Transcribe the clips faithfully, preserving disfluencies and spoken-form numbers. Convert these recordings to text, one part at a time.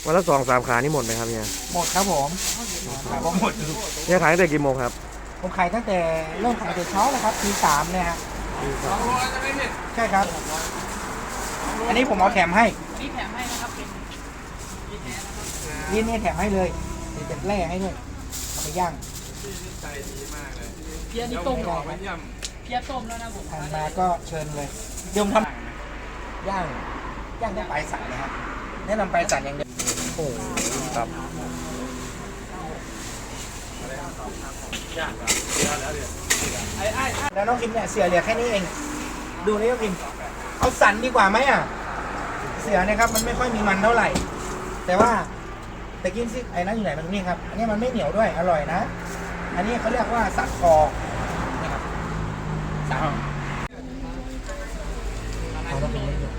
วันละสองสามขานี่หมดไหมครับเนี่ยหมดครับผมขายว่าหมดเนี่ยขายตั้งแต่กี่โมงครับผมขายตั้งแต่เริ่มขายแต่เช้านะครับทีสามเนี่ยฮะใช่ครับอันนี้ผมเอาแถมให้นี่แถมให้นะครับเป็นนี่นี่แถมให้เลยเดี๋ยวจะแล่ให้ด้วยเอาไปย่างใจดีมากเลยเพียนี่ต้มก่อนเพียต้มแล้วนะผมทานมาก็เชิญเลยเดี๋ยวผมทำย่างย่างได้ปลายสันเลยครับแนะนำปลายสันอย่างเดียวโอ้ครับแล้วน้องพิมเนี่ยเสือเหลือแค่นี้เองดูนี่น้องพิมเอาสันดีกว่าไหมอ่ะเสือเนี่ยครับมันไม่ค่อยมีมันเท่าไหร่แต่ว่าแต่กินซิไอ้นั่นอยู่ไหนมันนี่ครับอันนี้มันไม่เหนียวด้วยอร่อยนะอันนี้เขาเรียกว่าสันคอนะครับสันเอาต้องเป็นอยู่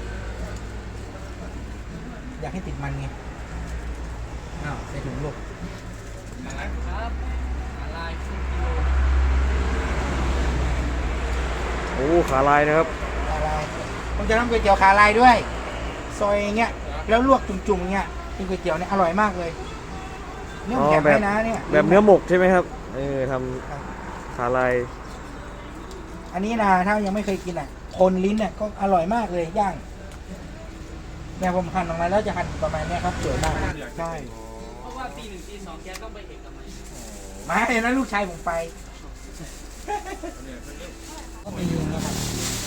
อยากให้ติดมันไงอ้าวใส่ถุงลูกครับอะไรครึ่งกิโลโอ้ขาลายนะครับขาลายผมจะทำก๋วยเตี๋ยวขาลายด้วยซอยอย่างเงี้ยแล้วลวกจุ่มๆเงี้ยกินก๋วยเตี๋ยวเนี่ยอร่อยมากเลยเนื้อแข็งไหมนะเนี่ยแบบเนื้อหมกใช่ไหมครับเออทำขาลายอันนี้นะถ้ายังไม่เคยกินอ่ะคนลิ้นเนี่ยก็อร่อยมากเลยย่างเนี่ยผมหั่นออกมาแล้วจะหั่นประมาณนี้ครับสวยมากใช่เพราะว่าปีหนึ่งปีสองแกต้องไปเอกมัยมาเห็นนะลูกชายผมไปก็มีอย่างนี้ครับ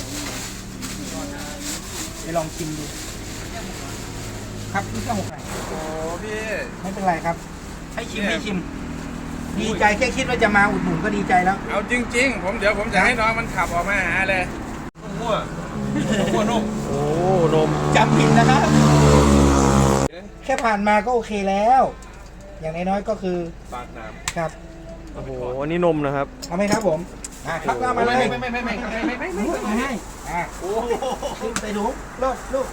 ไปลองชิมดูครับนี่ก็หกไหนโอ้พี่ไม่เป็นไรครับให้ชิมให้ชิมดีใจแค่คิดว่าจะมาอุดหนุนก็ดีใจแล้วเอาจริงๆผมเดี๋ยวผมจะให้น้องมันขับออกมาหาเลยมั่วมั่วนมโอ้นมจำผิดนะครับแค่ผ่านมาก็โอเคแล้ว อย่างน้อยๆก็คือปากน้ำครับโอ้โหอันนี้นมนะครับเอาไหมครับผมอ่าครับก็มาเลยไม่ไม่ไม่ไม่ไม่ไม่ไม่ไม่ไม่ไม่ให้อ่าโอ้ขึ้นไปดูลูกลูก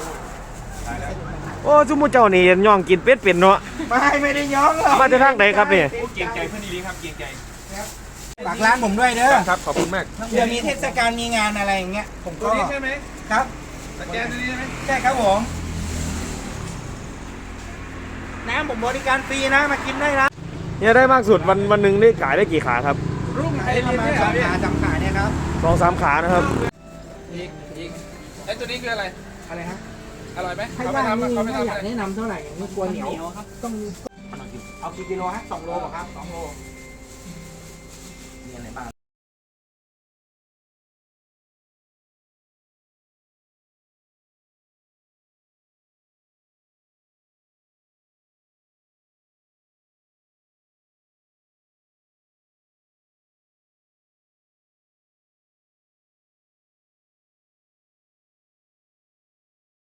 โอ้จุมุเจ้านี่ย่องกินเป็ดเป็นเนาะไม่ไม่ได้ย้องหรอกมาจะทางไหนครับเนี่ยเกียงใจเพื่อนดีครับเกียงใจฝากร้านผมด้วยเด้อครับขอบคุณมากเดี๋ยวมีเทศกาลมีงานอะไรอย่างเงี้ยผมก็ตัวนี้ใช่ไหมครับสแกนตัวนี้ใช่ไหมใช่ครับผมน้ำผมบริการฟรีนะมากินได้นะเนี่ยได้มากสุดวันวันหนึ่งได้ขายได้กี่ขาครับรุ่งไหนประมาณสองขาสามขาเนี่ยครับสองสามขานะครับอีกอีกไอ้ตัวนี้คืออะไรอะไรฮะอร่อยไหมให้ย่างนี่ไม่อยากแนะนำเท่าไหร่อย่างนี้กลัวเหนียวครับต้องเอากี่กิโลฮะสองโลป่ะครับสองโลมีอะไรบ้าง